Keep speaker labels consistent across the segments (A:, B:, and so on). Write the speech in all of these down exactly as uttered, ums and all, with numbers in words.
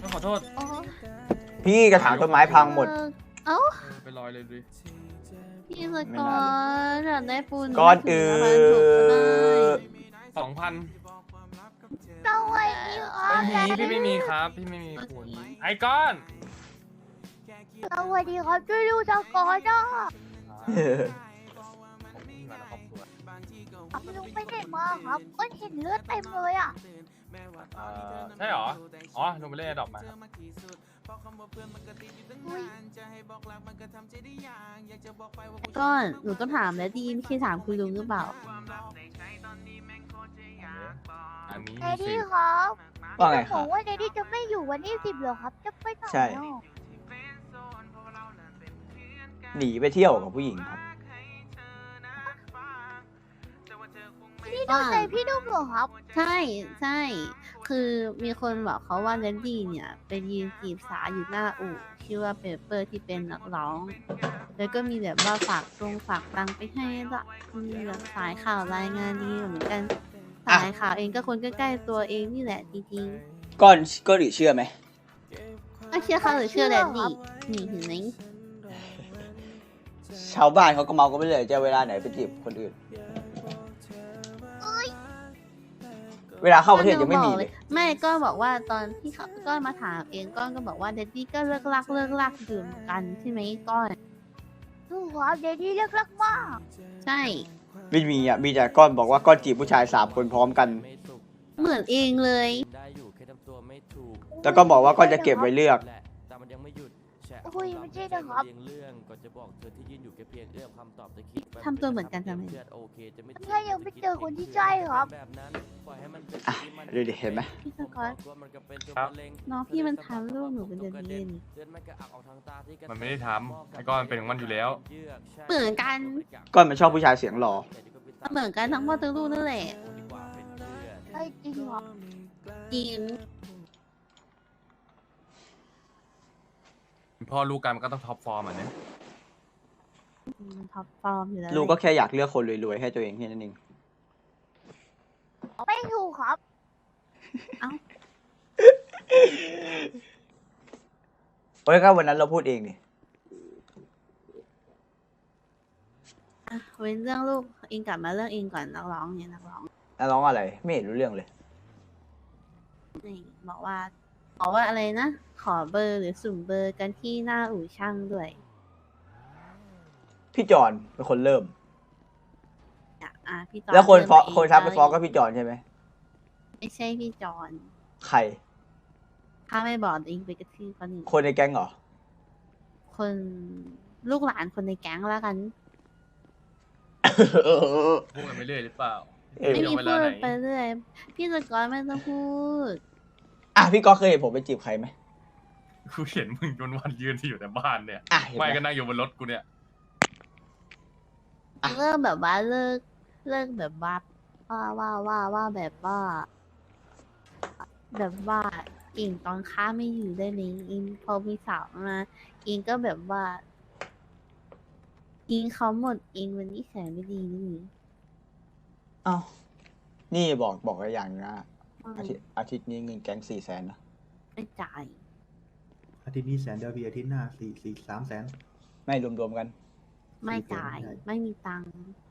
A: ต้องขอโทษ
B: พี่กระถางต้นไม้พังหมด
C: เอ้า
A: ไปลอยเลยดิ
C: พี่สกอร์อยากได้ปูน
B: ก้อนอื่น
A: สองพัน
C: เจ้าไอ้นี่อ๋อ
A: ไม่มีพี่ไม่มีครับพี่ไม่มีคุณไอ้ก้อน
C: สวัสดีครับช่วยดูสกอร์จ้าลุงไปไหนมาครับก็เห็นเลือดเต็มเลยอ่ะ
A: เอ่อใช่เหรออ๋อลงไปเล่นดอกมาครับ
C: ก็หนูก็ถามแล้วดีไม่ใช่ถามคุณลุงหรือเปล่า
A: อันนี้
C: เด
A: สิ
C: ดี้ครับ
B: ว่าไงค
C: บ
B: รั
C: อบ กว่าเดดี้จะไม่อยู่วันที่สิบเหรอครับ จะไปไหน
B: ใช่
C: อ่ะ
B: หนีไปเที่ยวกับผู้หญิงครับ
C: พี่ดูใจพี่ดุ้มเหรอครับ ใช่ใช่ คือมีคนบอกเขาว่าเดดดี้เนี่ยไปยืนจีบสาวอยู่หน้าอู่ชื่อว่าเปเปอร์ที่เป็นนักร้อง แล้วก็มีแบบว่าฝากตรงฝากตังไปให้ละมีแบบสายข่าวรายงานดีเหมือนกัน
B: อ่ะ
C: สายข่าวเองก็คนใกล้ๆตัวเองนี่แหละจริง
B: ก้อนก้อนหรือเชื่อไหม
C: ๆไม่เชื่อเขาหรือเชื่อแดดดี้นี่เห็นไหม
B: ชาวบ้านเขาก็เมากันไปเลยจะเวลาไหนไปจีบคนอื่น เวลาเข้าประเทศยังไม่มีเลย
C: ไม่ก็บอกว่าตอนที่เขาก็มาถามเองก้อนก็บอกว่าเดดดี้ก็เลิกลักเลิกลักดื่มกันใช่ไหมก้อนถูกครับเดดดี้เลิกลักมากใช่
B: ไม่มีอ่ะ มีแต่ก้อนบอกว่าก้อนจีบผู้ชายสามคนพร้อมกัน
C: เหมือนเองเลย
B: แล้วก็บอกว่าก้อนจะเก็บไว้เลือก
C: คุยไม่ใช่นะครับทำตัวเหมือนกันทำไมถ้ายังไม่เจอคนที่ใช่ครับ
B: อ่ะดูดิเห็นไหม
C: พี่สกอต
A: ครับ
C: น้องพี่มันทำลูกหนูเป็นเดือนเย็น
A: มันไม่ได้ทำไอ้ก้อนเป็นของมันอยู่แล้ว
C: เหมือนกัน
B: ก้อนมันชอบผู้ชายเสียงหล่อ
C: เหมือนกันทั้งพ่อทั้งลูกนั่นแหละใช่จริงเหรอจริง
A: พ่อลูกกันมันก็ต้องท็อปฟอร์มอ่ะเนี่ย
C: มันท็อปฟอร์มอยู่แล้ว
B: ลูกก็แค่อยากเลือกคนรวยๆให้ตัวเองแค่นั้นเอง
C: ไม่ถูกครับ เอ้า
B: โอ้ยก็วันนั้นเราพูดเองนี่
C: อ่ะเว้นเรื่องลูกเองกลับมาเรื่องเองก่อนนักร้องเนี่ยนักร้อง
B: แล้วร้องอะไร ไม่เห็นรู้เรื่องเลย
C: นี่บอกว่าบอกว่าอะไรนะ ขอเบอร์หรือสุ่มเบอร์กันที่หน้าอู่ช่างด้วย
B: พี่จอนเป็นคนเริ่ม
C: อ่ะอ่ะพี่จอน
B: แล้วคนฟ้อง
C: เริ่ม
B: คนทักไป
C: เง
B: ฟ้องก็พี่จอนใช่ไหม
C: ไม่ใช่พี่จอน
B: ใคร
C: ถ้าไม่บอกเองไปกระทืบคนอื่น
B: คนในแก๊งเหรอ
C: คนลูกหลานคนในแก๊งแล้วกัน
A: พูดกันไปเรื่อยหรือเปล่า
B: เออ
C: ไม่มี
A: เว
C: พู
A: ลา
C: ด
A: ไหน
C: ไปเรื่อยพี่สกอตไม่ต้องพูด
B: อ่ะพี่ก็เคยเห็นผมไปจีบใครไหม
A: กูเห็นมึงวันวันๆยืนที่อยู่แต่บ้านเนี่ย
B: อ่ะเห็นไหม
A: ไม่ก็นั่งอยู่บนรถกูเนี่ย
B: อ่ะ
C: เลิกแบบว่าเลิกเลิกแบบว่าว่าว่าว่าว่าแบบว่า แบบว่าอิงตอนค้าไม่อยู่ได้ไหมอิงพอมีสาวมาอิงก็แบบว่า อิงเขาหมดอิงวันนี้แสนไม่ดีนี่
B: เอ้านี่บอกบอกอะไรอย่างนะ
C: อืม
B: อาทิตย์อาทิตย์นี้เงินแก๊งสี่แสนนะ
C: ไม่จ่าย
D: อาทิตย์นี้แสนเดียวพี่อาทิตย์หน้าสี่สี่สามแสน
B: ไม่รวมๆกัน
C: ไม่จ่าย
D: สี่แสน
C: ไม่มีตังค์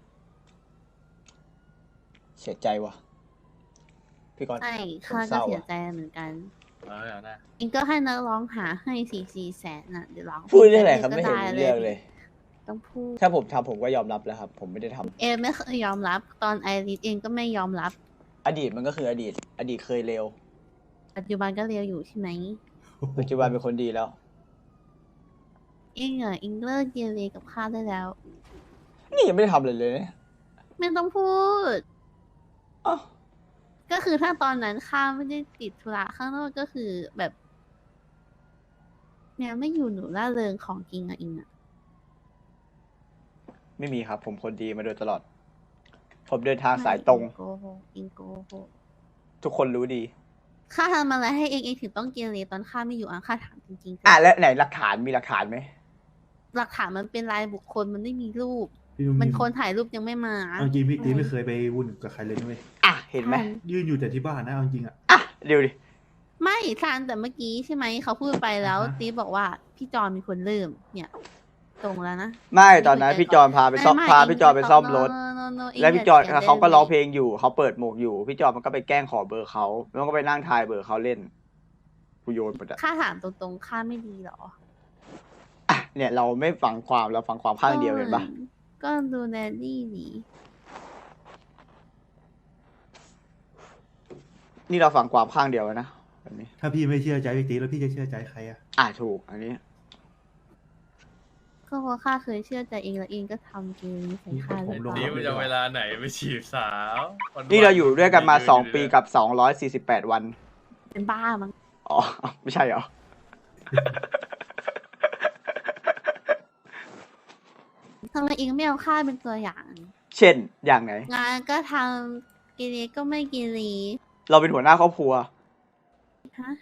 B: เสียใจว่ะ พี่กอน
C: ใช่
B: ผม
C: ข้า
B: เศ
C: ก็
B: ร้า
C: เสีย
B: อะ
C: ใจเหมือนกัน
A: เอาเลยเอานะ
C: อิงก็ให้นักร้องหาให้สี่สี่แสนน่ะเดี๋ยวร้อง
B: พูดได้ไหนครับ
C: ก็
B: ไม่เห็น
C: ด้
B: รู้เรื่องเลย
C: ต้องพูด
B: ถ้าผมทำผมก็ยอมรับแล้วครับ ผมไม่ได้ทำ
C: เอไม่เคยยอมรับ ตอนไอริสเองก็ไม่ยอมรับ
B: อดีตมันก็คืออดีต อดีตเคยเลว
C: ปัจจุบันก็เรียวอยู่ใช่ไหม
B: ปัจจุบันเป็นคนดีแล้ว
C: เองอ่ะเองเลิกเกเรกับข้าได้แล้ว
B: นี่ยังไม่ได้ทำเลยเลยเนี่ย
C: ไม่ต้องพูด
B: อ้าว
C: ก็คือถ้าตอนนั้นข้าไม่ได้ติดธุระข้างนอกก็คือแบบเนี่ยไม่อยู่หนูล่าเริงของจริงอ่ะอิงอ่ะ
B: ไม่มีครับ ผมคนดีมาโดยตลอด ผมเดินทางสายตรง
C: โกหกอิงโกหก
B: ทุกคนรู้ดี
C: ข้าทำอะไรให้เองเองถึงต้องเกเรตอนข้าไม่อยู่อ่ะข้าถามจริงๆ
B: อ่ะแล้วไหนหลักฐานมีหลักฐานไหม
C: หลักฐานมันเป็นรายบุคคลมันไม่มีรูป
D: พี่นุ่ม
C: มันคนถ่ายรูปยังไม่มา
D: เอาจริงพี่ตีไม่เคยไปวุ่นกับใครเลยนะเว้ย
B: อ่ะ เห็นไหม
D: ยืนอยู่แต่ที่บ้านนะเอาจริงอ่ะ
B: อ่ะดูดิ
C: ไม่ซันแต่เมื่อกี้ใช่ไหมเขาพูดไปแล้ว
D: อ่าฮะ
C: ตีบอกว่าพี่จอนมีคนเริ่มเนี่ยตรงแล้วนะ
B: ไม่ตอนนั้นพี่จอนพาไปซ่อม
C: ไม่
B: พา
C: ไม่
B: พี่จอนไปซ่อมรถ
C: no, no, no,
B: แล้วพี่จอน
C: เองย่
B: เขาก็ร้องเพ
C: สี
B: ล
C: ย
B: งอยู่เขาเปิดหมวกอยู่ พี่จอนมันก็ไปแกล้งขอเบอร์เขาแล้วก็ไปนั่งทายเบอร์เขาเล่นกูโยนหมดอะ
C: ค่าถามตรงๆค่าไม่ดีเหรอ
B: อ่ะเนี่ยเราไม่ฟังความเราฟังความข้างเดียวเห็นปะ
C: ก็ดูแลนี่หนี
B: นี่เราฟังความข้างเดียวแล้วนะแบบนี้
D: ถ้าพี่ไม่เชื่อใจพี่ตีแล้วพี่จะเชื่อใจใครอะ
B: อ่ะถูกอันนี้
C: ก็เพราะข้าเคยเชื่อใจเองแล้วเองก็ทำเกมใส่ข้าเลย
A: นี่มันจะเวลาไหนไปฉีบสาววัๆ
B: นี่เราอยู่ด้วยกันมาสองปีกับสองร้อยสี่สิบแปดวัน
C: เป็นบ้ามั้ง
B: อ๋อ ไม่ใช่เหรอ
C: ทำไมเองไม่เอาข้าเป็นตัวอย่าง
B: เช่นอย่างไหน
C: งานก็ทำกิริก็ไม่กิริ
B: เราเป็นหัวหน้าครอบครัว
C: ฮะ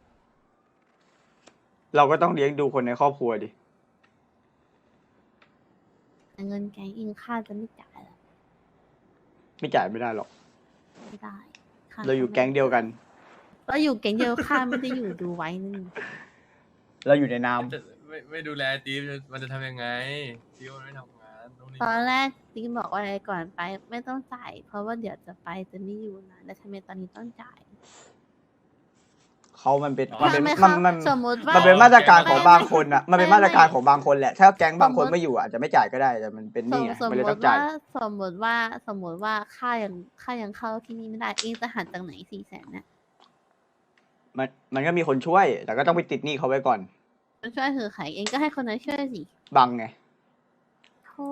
B: เราก็ต้องเลี้ยงดูคนในครอบครัวดิ
C: แต่เงินแกงเองข้าจะไม่จ่ายหรอก
B: ไม่จ่ายไม่ได้หรอก
C: ไม่ได้ข้
B: เราอยู่แก๊งเดียวกัน
C: เราอยู่แก๊งเดียวข้าไม่ได้อยู่ดูไว้นึง
B: เราอยู่ในนาม
A: จะไม่ไม่ดูแลตีมมันจะทำยังไงตีมมันไม่ทำงานตรงนี้
C: ตอนแรกติ๊กบอกว่าอะไรก่อนไปไม่ต้องจ่าย เพราะว่าเดี๋ยวจะไปจะไม่อยู่นะแต่ทำไมตอนนี้ต้องจ่าย
B: เขามันเป็นมัน
C: ถ้า
B: เป็น
C: ไม่
B: มั
C: เข้าน
B: มัน
C: สมมติว่า
B: มันเป็นมาตรการของบางคนอ่ะ มันเป็น
C: ไม่
B: มาตรการ
C: ไม่
B: ของบางคนแหละ ถ้าแก๊งบางคน
C: สมมุติ
B: ไม่อยู่อาจจะไม่จ่ายก็ได้ แต่มันเป็นห
C: ส
B: นี่
C: ม
B: ไง
C: สม
B: มัน
C: ม
B: เลยต้อง
C: ติ
B: จ่า
C: ว่าย สมมติว่าสมมติว่าค่ายังค่ายังเข้าที่นี่ไม่ได้เองจะหันจากไหนสี่แสนเนี่ย
B: มันมันก็มีคนช่วย แต่ก็ต้องไปติดหนี้เขาไว้ก่อน
C: มันช่วยคือใครเองก็ให้คนนั้นช่วยสิ
B: บังไง
C: โธ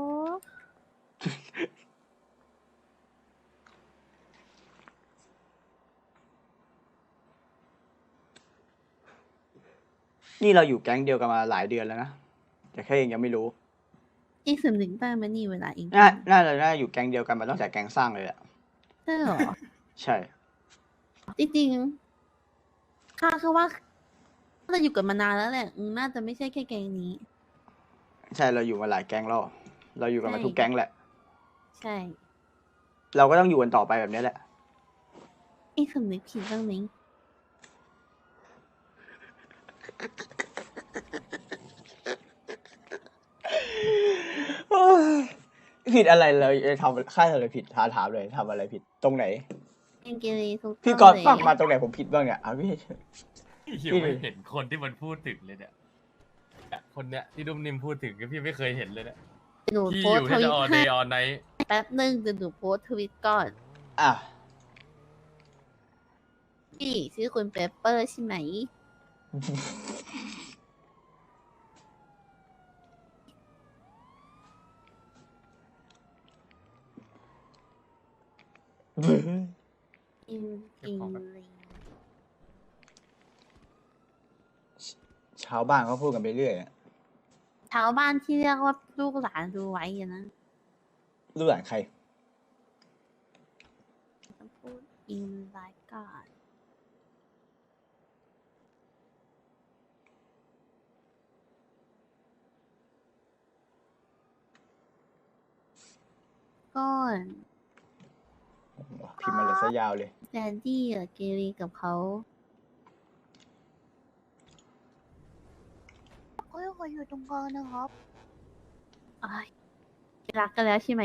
B: นี่เราอยู่แก๊งเดียวกันมาหลายเดือนแล้วนะ แต่แค่เองยังไม่รู้
C: เองสำนึกได้ไหมนี่เวลาเอง
B: น่า น่าจะน่าอยู่แก๊งเดียวกันมาตั้งแต่แก๊งสร้างเลยแหละ
C: ใช่เหรอ
B: ใช่
C: จริงๆข้าคือว่าน่าจะอยู่กันมานานแล้วแหละอืมน่าจะไม่ใช่แค่แกงนี้
B: ใช่ เราอยู่มาหลายแก๊งแล้ว เราอยู่กันมา
C: ใช่
B: ทุกแก๊งแหละ
C: ใช่
B: เราก็ต้องอยู่กันต่อไปแบบนี้แหละ
C: เองสำนึกผิดบ้างไหม
B: โอ้ยผิดอะไรเลยทำค่ายอะไรผิดถามถามเลยทำอะไรผิดตรงไหน
C: เองเกเรทุก
B: พี่
C: ต้
B: ก
C: น
B: รณ์
C: เลย
B: ฟังมาตรงไหนผมผิดบ้างเนี่ยอ่ะพี่
A: ยังไม่เห็นคนที่มันพูดถึงเลยเนี่ยเนี่ยคนเนี้ยที่ดุมนิมพูดถึงก็พี่ไม่เคยเห็นเลยเนี่ย
C: หนู
A: พี่
C: โพ
A: อ
C: ส
A: ยู่
C: ต์ท
A: ที่
C: วิ
A: จะ
C: ต
A: ออน
C: ให้
A: เดย์ออนไนท์
C: แป๊บหนึ่งเดี๋ยวหนูโพสต์ทวิตก่อน
B: อ่ะ
C: พี่ชื่อคุณเปเปอร์ใช่ไหม อิงอิงลิง
B: ชาวบ้านเขาพูดกันไปเรื่อยอะ
C: ชาวบ้านที่เรียกว่าลูกหลานดูไว้อะนะ
B: รู้หลานใคร
C: ต้องพูดอิงไลน์ก่อนก่อน
B: พิมพ์มาเลยซะยาวเลย
C: แดนดี้กับเกรีกับเขาเขายังอยู่ตรงกลางนะครับอ้ายรักกันแล้วใช่ไหม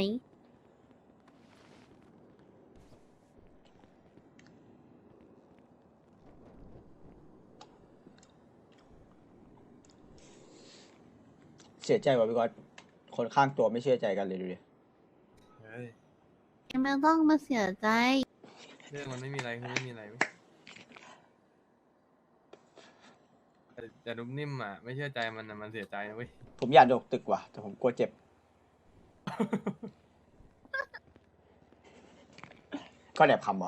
B: เสียใจว่ะพี่กรณ์คนข้างตัวไม่เชื่อใจกันเลยดูดิ
A: เฮ้ย
C: ไม่ต้องมาเสียใจ
A: เรื่องมันไม่มีอะไรคือไม่มีอะไรเว้ยแต่แต่ดุมนิ่มอ่ะไม่เชื่อใจมันอ่ะมันเสียใจนะเว้ย
B: ผมอยากโดดตึกว่ะ แต่ผมกลัวเจ็บ ก็แอบคำเหรอ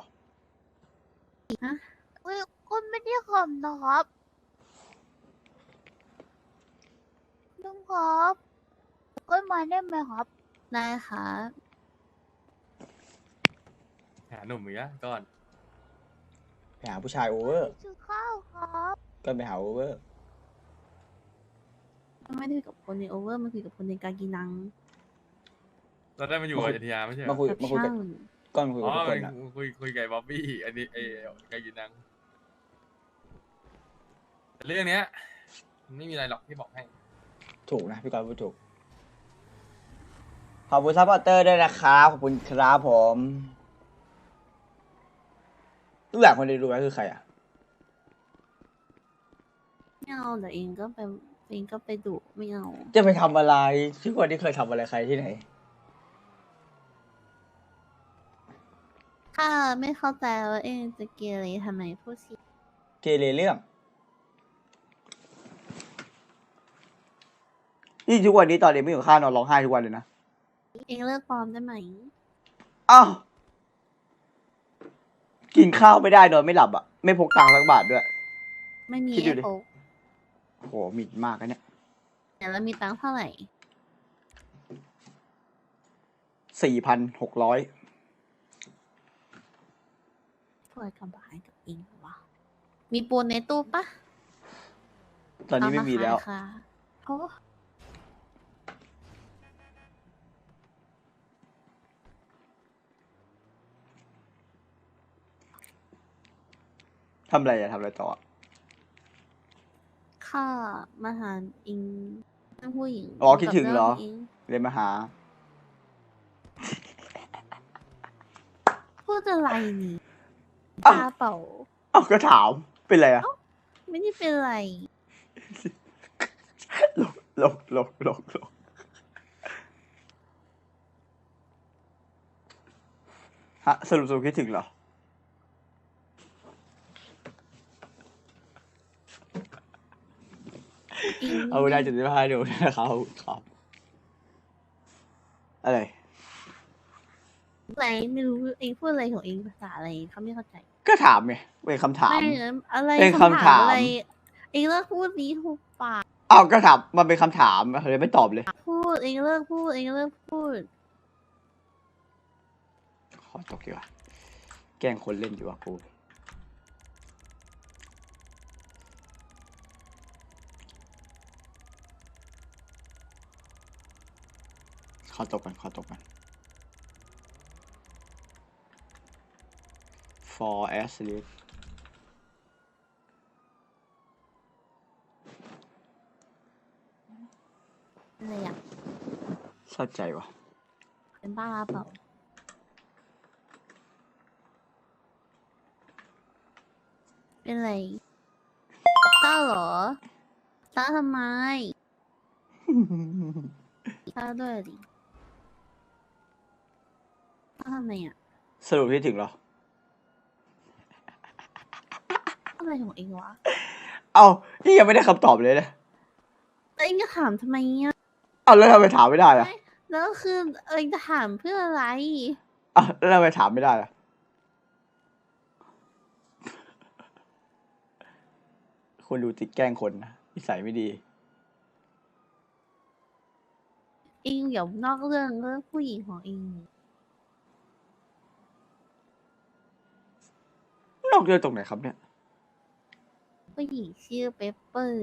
C: เฮ้ยคุณไม่ได้ขำนะครับลุงครับก็มาได้ไหมครับ ได้ครับ
A: หาหนุ่มอีกแล้วก่อน
B: ไปหาผู้ชายโอเวอร์
C: ซื้อข้าวครับ
B: ก็ไปหาโอเวอร์
C: ไม่ได้คุยกับคนในโอเวอร์มันคุยกับคนในกากีนัง
A: เราได้มาอยู่กับอยุธยาไม่ใช่เหร
B: มา
A: อ
B: คุย
C: กับ
B: มาคุยกั
C: ช่า
B: บ
C: ง
B: ก้อนมาคุย
A: อ๋
B: กับ
A: อ
B: ทุกคนอะ
A: คุยคุยกับบ๊อบบี้อันนี้ไอ้ไก่กินนังเรื่องเนี้ยมันไม่มีอะไรหรอกที่บอกให้
B: ถูกนะพี่กรณ์พูดถูกขอบคุณซัพพอร์เตอร์ด้วยนะครับขอบคุณครับผมรู้จักคนที่รู้ไหมคือใครอ่ะ
C: ไม่เอาเดี๋ยวเองก็ไปเองก็ไปดุไม่เอา
B: จะไปทำอะไรชื่อคนที่เคยทำอะไรใครที่ไหน
C: ถ้าไม่เข้าใจว่าเองจะเกเรทำไมพูดสิ
B: เกเรเรื่องนี่ทุกวันนี้ตอนเด็กไม่อยู่ข้าวนอนร้องไห้ทุกวันเลยนะ
C: เองเลิกปลอมได้ไหม
B: อ้าวกินข้าวไม่ได้นอนไม่หลับอ่ะ ไม่พกตังค์สักบาทด้วย
C: ไม่มี
B: คิดดู
C: ไอ้
B: ดิ
C: โป๊ก
B: โหหมิ่นมากนะเนี่ย
C: แต่แล้วมีตังค์เท่าไหร่
B: สี่พันหกร้อย
C: ช่วยกับบายกับเองวะมีปูนในตู้ปะ
B: ตอนนี้ไม่มีแล้ว
C: เอาาขายค่ะโอ้
B: ทำอะไรอะทำอะไรต่ออะ
C: ข้ามาหาเองเรื่องผู้หญิง
B: อ๋อคิดถึงเหรอ
C: กับงง
B: เรียนมาหา
C: พูดอะไรนี่
B: อ้าว
C: ตาเปล่า
B: อ้าวก็ถาม เป็นไรอะ
C: ไม่ได้เป็นไร
B: หลกหลกหลกหลกหลกฮะสรุปสรุปคิดถึงเหรอ
C: อิง
B: เอาได้จุดที่ห้าดูนะครับครับ อะไร
C: อะไรไม่รู้เองพูดอะไรของเองภาษาอะไรเขาไม่เข้าใจ
B: ก็ถามไงเป็นคำถาม
C: ไม่อะไร
B: เป็นคำถาม
C: อะไรเองเลิกพูดนี้ถูกปาก
B: อ้าวก็ถามมันเป็นคำถามเลยไม่ตอบเลย
C: พูดเองเลิกพูดเองเลิกพูด
B: ขอตกดีกว่าแกล้งคนเล่นอยู่ว่ะกูขอตกกันขอตกกัน for as sleep
C: อะไรอ่ะ
B: เศร้าใจว่ะ
C: เป็นบ้าเปล่าเป็นไรเศร้าเหรอเศร้าทำไมเศร้าด้วยดิเศร้าทำไมอ่ะ
B: สรุปที่ถึงเหรอ
C: อะไรของเองวะ
B: เอ้านี่ยังไม่ได้คำตอบเลยนะ
C: แล้วเองจะถามทำไมอ่ะ
B: เอ้าแล้วทำไมถามไม่ได้อะ
C: แล้วคือเองจะถามเพื่ออะไร
B: อ่ะแล้วทำไมถามไม่ได้อะคนดูติดแกล้งคนนะนิสัยไม่ดี
C: เองอย่านอกเรื่องเรื่องผู้หญิงของเอง
B: นอกเรื่องตรงไหนครับเนี่ย
C: ผู้หญิงชื่อเปปเปอร์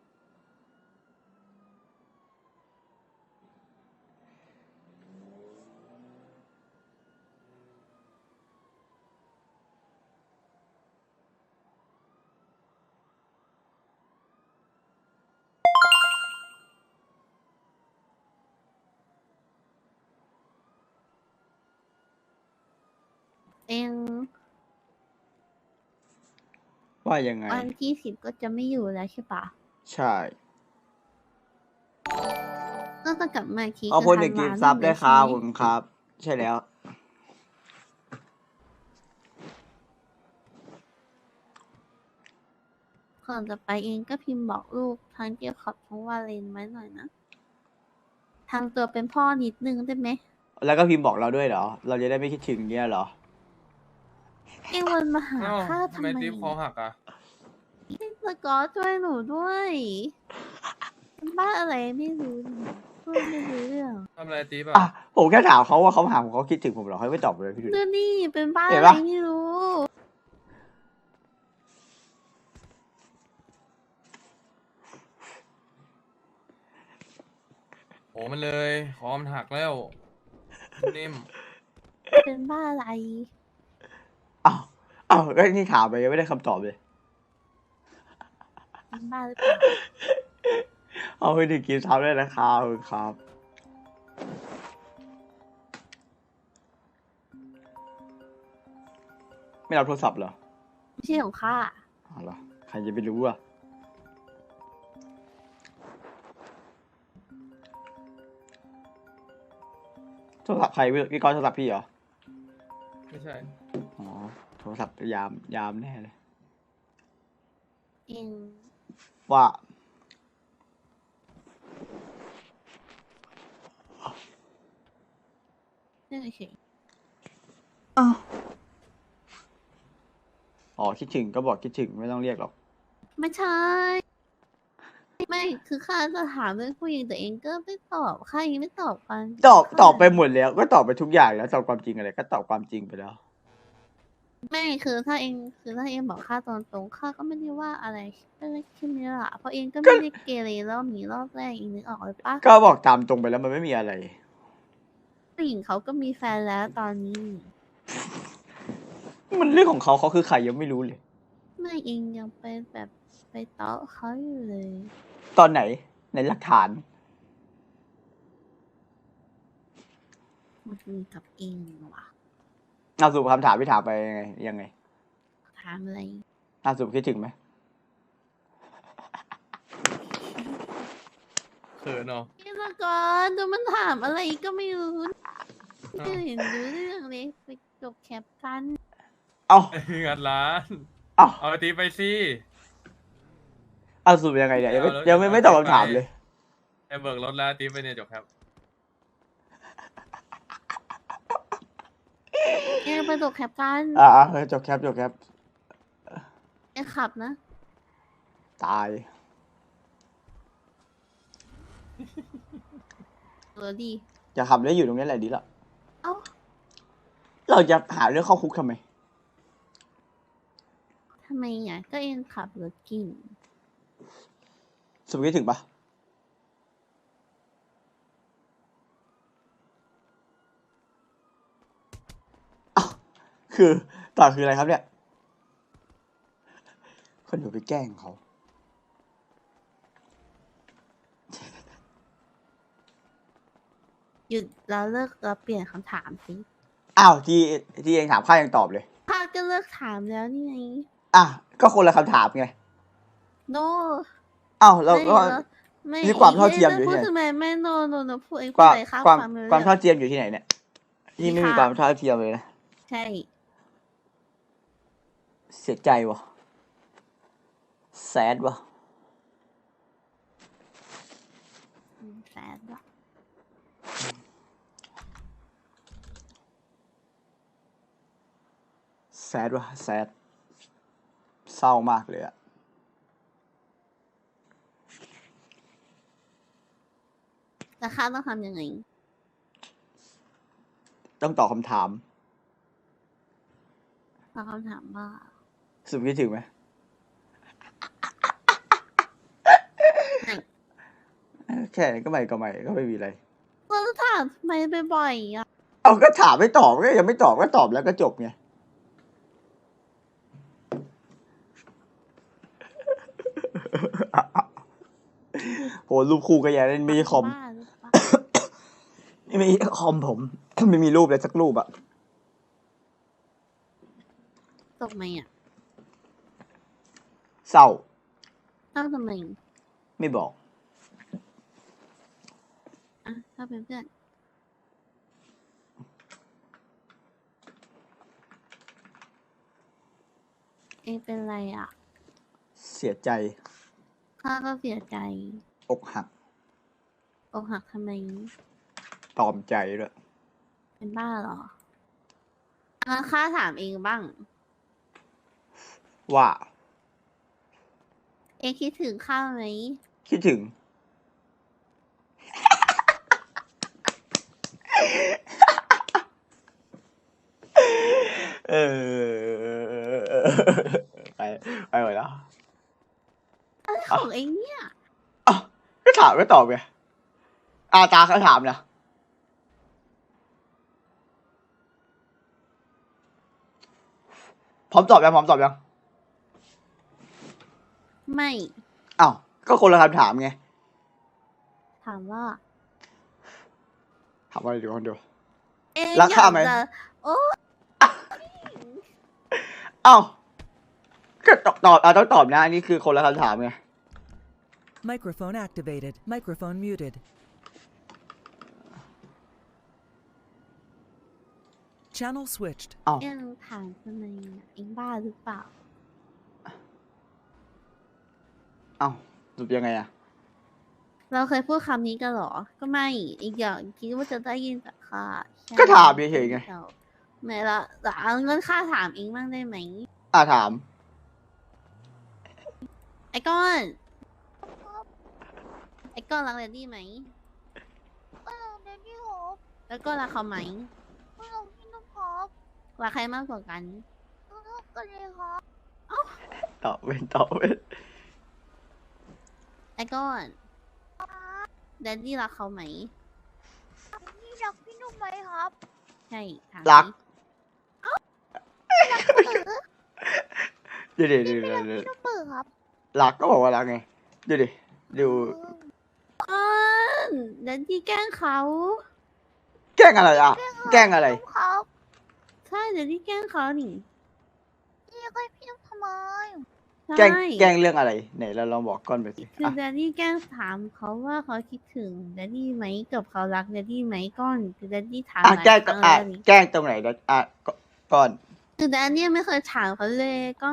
C: เอง
B: ว่ายังไง
C: วันที่สิบก็จะไม่อยู่แล้วใช่ปะ
B: ใช่
C: ก็จะกลับมาอีกที
B: เอาคนหนึ่ง
C: ธั
B: กิ
C: วาน
B: ซับได้ครับ
C: ใช่
B: ผ
C: ไหม
B: มครับ ใช่แล้ว
C: ก่อนจะไปเองก็พิมพ์บอกลูกทั้งเกี่ยวกับทั้งวาเลนไว้หน่อยนะทำตัวเป็นพ่อนิดนึงได้ไหม
B: แล้วก็พิมพ์บอกเราด้วยเหรอ เราจะได้ไม่คิดถึงเนี่ยเหรอ
C: เองวันมาหา
A: อ้าว
C: ข้า
A: ทำ
C: ทำ
A: ไม
C: ไม
A: ติ๊บคอหักอ่ะ
C: สกอตช่วยหนูด้วยเป็นบ้าอะไรไม่รู้เนี่ยพูดไม่รู้เรื่อง
A: ทำอะไรติ๊บ
B: อ่ะ
A: อ่ะ
B: ผมแค่ถามเขาว่าเขาถามผมเขาคิดถึงผมเหรอเขาไม่ตอบเลยพี่ดูดิ
C: ดูนี่เป็นบ้า
B: เห็
C: อะ
B: น
C: ไร
B: ปะ
C: ไม่รู้
A: โอ้มันเลยคอมันหักแล้วนิ่ม
C: เป็นบ้าอะไร
B: อ้าวอ้าวก็นี่ถามไปยังไม่ได้คำตอบเลย
C: บ้าหรือเปล่า
B: เอาไปถึงกิฟต์ทับได้นะครับขอบคุณครับ ไม่รับโทรศัพท์เหรอ
C: ไม่ใช่ของข้า
B: อ๋อเหรอใครจะไปรู้อ่ะ โทรศัพท์ใครพี่พี่ก้อนโทรศัพท์พี่เหรอ
A: ไม่ใช่
B: อ๋อ โทรศัพท์ยามยามแน่เลย
C: เอง
B: ว่า
C: เรื่องเฉย
B: อ้าวอ๋อคิดถึงก็บอกคิดถึงไม่ต้องเรียกหรอก
C: ไม่ใช่ ไม่คือข้าจะถามเรื่องผู้หญิงแต่เองก็ไม่ตอบข้ายังไม่ตอบกัน
B: ตอบ
C: ข้า
B: ตอบไปหมดแล้ว ก็ตอบไปทุกอย่างแล้วตอบความจริงอะไรก็ตอบความจริงไปแล้ว
C: ไม่คือถ้าเองคือถ้าเองบอกข้าตรงตรงๆข้าก็ไม่ได้ว่าอะไรไม่ได้คิดไม่ได้ละเพราะเองก็ไม่ได้เกเรรอบนี้รอบแรกเองนึกออกเลยปะ
B: ก็บอกตามตรงไปแล้วมันไม่มีอะไร
C: ผู้หญิงเขาก็มีแฟนแล้วตอนนี้
B: มันเรื่องของเขาเขาคือใครยังไม่รู้เลย
C: ไม่เองยังไปแบบไปเตาะเขาอยู่เลย
B: ตอนไหนในหลักฐาน
C: มันคือกับเองว่ะ
B: เอาสู่คำถามพี่ถามไปยังไงยังไง
C: ถามอะไร
B: เอาสู่คิดถึงไหม
A: เขินเนาะ
C: พี่ละก่อนดูมันถามอะไรก็ไม่รู้ไม่เห็นรู้เรื่องเลยไปจบแคปกัน
B: เอา
A: งัดร้าน
B: เอา
A: เอาไอตีไปสิ
B: เอาสู่ยังไงเนี่ยยังไม่
A: เอาแล้ว
B: ยังไม่ไม่ตอบคำถามเลย
A: ไอเบิกรถแล้วตีไปเนี่ยจบครับ
C: เองไปจบแคปกัน
B: อ่าอ่าจบแคปจบแคป
C: เองขับนะ
B: ตาย
C: เออดี
B: จะขับได้อยู่ตรงนี้แหละดีละ
C: เอ้า
B: เราจะหาเรื่องเข้าคุกทำไม
C: ทำไมอ่ะก็เองขับรถกิ่ง
B: สุดคิดถึงปะอ้าวคือต่อคืออะไรครับเนี่ย คนอยู่ไปแกล้งเขา
C: หยุดแล้วเลิกแล้วเปลี่ยนคำถามสิ
B: อ้าวที่ที่เองถามข้ายังตอบเลย
C: ข้าก็เลิกถามแล้วนี่ไง
B: อ่ะก็คนละคำถามไง
C: โน
B: อ้าวเรา
C: ไม่
B: ก็
C: แล้วไม่
B: นี่ความเท่าเทียมอยู่
C: พู
B: ที่
C: ด
B: ไหน
C: ทำไมไม่โนโนโนพูดเอง
B: ค
C: พูด
B: วาม
C: อะไรข้า
B: ความ
C: ฟังไม่รู้
B: ความ
C: เรื่อง
B: เท่าเทียมอยู่ที่ไหนเนี่ยนี่ไม่มี
C: ค่ะ
B: ความเท่าเทียมเลยนะ
C: ใช่
B: เสียใจวะแซดวะ
C: อืมแสนว่ะ
B: แซดวะแซดเศร้ามากเลยอะ
C: แต่ข้าต้องทำยังไง
B: ต้องตอบคำถาม
C: ตอบคำถามว่า
B: สุดคิดถึงไหม
C: ไม่
B: แค่นี้ก็ไม่ก็ไม่ก็ไม่มีอะไร
C: เราจะถามทำไมบ่อยๆอ่ะ
B: เอาก็ถามไม่ตอบก็ยังไม่ตอบก็ตอบแล้วก็จบไง โหรูปคู่ก็ยังเล่นไม่ใช่คอม
C: บ้าหรือเปล่า
B: ไม่มีคอมผม ไม่มีรูปเลยสักรูปอะ
C: ตกไหมอ่ะ
B: เศร้า
C: เอ้าทำไม
B: ไม่บอก
C: อ่ะถ้าเป็นเพื่อนเองเป็นไรอ่ะ
B: เสียใจ
C: ข้าก็เสียใจ
B: อกหัก
C: อกหักทำไม
B: ตอมใจด้วย
C: เป็นบ้าเหรองั้นข้าถามเองบ้าง
B: ว่า
C: เองคิดถึงข้าไหม
B: คิดถึง เออไปไปหมดแล้ว
C: อะไรของเองเนี่ย
B: อ้าวก็ถามก็ตอบไงอาตาเขาถามนะพร้อมตอบยังพร้อมตอบยัง
C: ไม่
B: อ้าวก็คนละคำถามไง
C: ถามว่า
B: ถามว่าอะไรดีคนดู
C: เอ๊ะ
B: รักข้าไหม
C: อยจะโอ้
B: อ้าวก็ตอบตอบอ่ะต้องตอบนะอันนี้คือคนละคำถามไง
E: Microphone activated. Microphone muted. Channel switched.
B: อ้าว
C: เอ็งถามทำไมอะเอ็งบ้าหรือเปล่า
B: อ้าวสรุปยังไงอะ
C: เราเคยพูดคำนี้กันเหรอ ก็ไม่ อีกอย่างคิดว่าจะได้ยินจากข้าใช่
B: ก็ถามเฉยๆไง
C: ไม่ละแต่เอาเงินค่าถามเองบ้างได้ไหม
B: อ่ะถาม
C: ไอ้ก้อน ไอ้ก้อนรักเรนดี้ไหม
F: ก็ลองเดนนี่โฮป
C: แล้วก็รักเขาไหม
F: ก็ลองพี่นุ่มฮอป
C: รักใครมากกว่ากัน
F: ก็ลองกันเลยฮอป
B: ตอบเป็นตอบเป็น
C: ไอ้ก้อนแดนดี้รักเขาไหม
F: นี่รักพี่นุ่มไหมครับ
C: ใช่ถาม
B: รัก
F: เออ
B: เดี๋ยวเดี๋ยวเดี๋ยว
F: ไม่
B: เดี๋
F: รั
B: ยว
F: กพี่นุ่มเปิดครับ
B: รักก็บอกว่ารักไงดูดิดู
C: ก้อนแดนดี้แกล้งเขา
B: แกล้งอะไรอ่ะ แกล้งอะไร
F: พี่นุ่มครับ
C: ใช่แดนดี้แกล้งเขานี่
F: นี่ก็พี่นุ่มทำไม
C: ใช่
B: แกล้งแกล้งเรื่องอะไรไหนเราลองบอกก้อนไปสิ
C: คือ
B: อ่ะ
C: แดนดี้แกล้งถามเขาว่าเขาคิดถึงแดนดี้ไหมกับเขารักแดนดี้ไหมก้อนคือแดนดี้ถาม
B: อ่ะ
C: หลาย
B: แกล้ง
C: ครั้ง
B: อ่ะ
C: แล้วนี่
B: แกล้งตรงไหนนะอ่ะก็ก้อน
C: คือแดนดี้ไม่เคยถามเขาเลยก้อน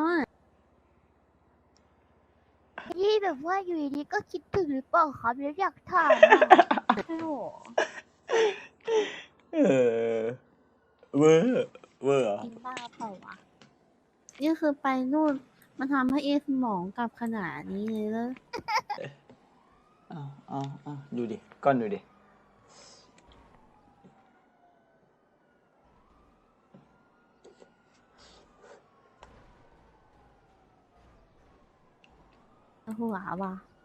F: ที่แบบว่าอยู่ดีๆก็คิดถึงหรือเปล่าครับแล้วอยากถามอะ
C: ใช่หรอ
B: เออเวอร์เวอร์เหรอ
C: กินบ้าเปล่าวะนี่คือไปนู่นมันทำให้เอสมองกลับขนาดนี้เลยแล้ว
B: อ้าวอ้าวอ้าวดูดิก้อนดูดิ
C: หัวว่ะ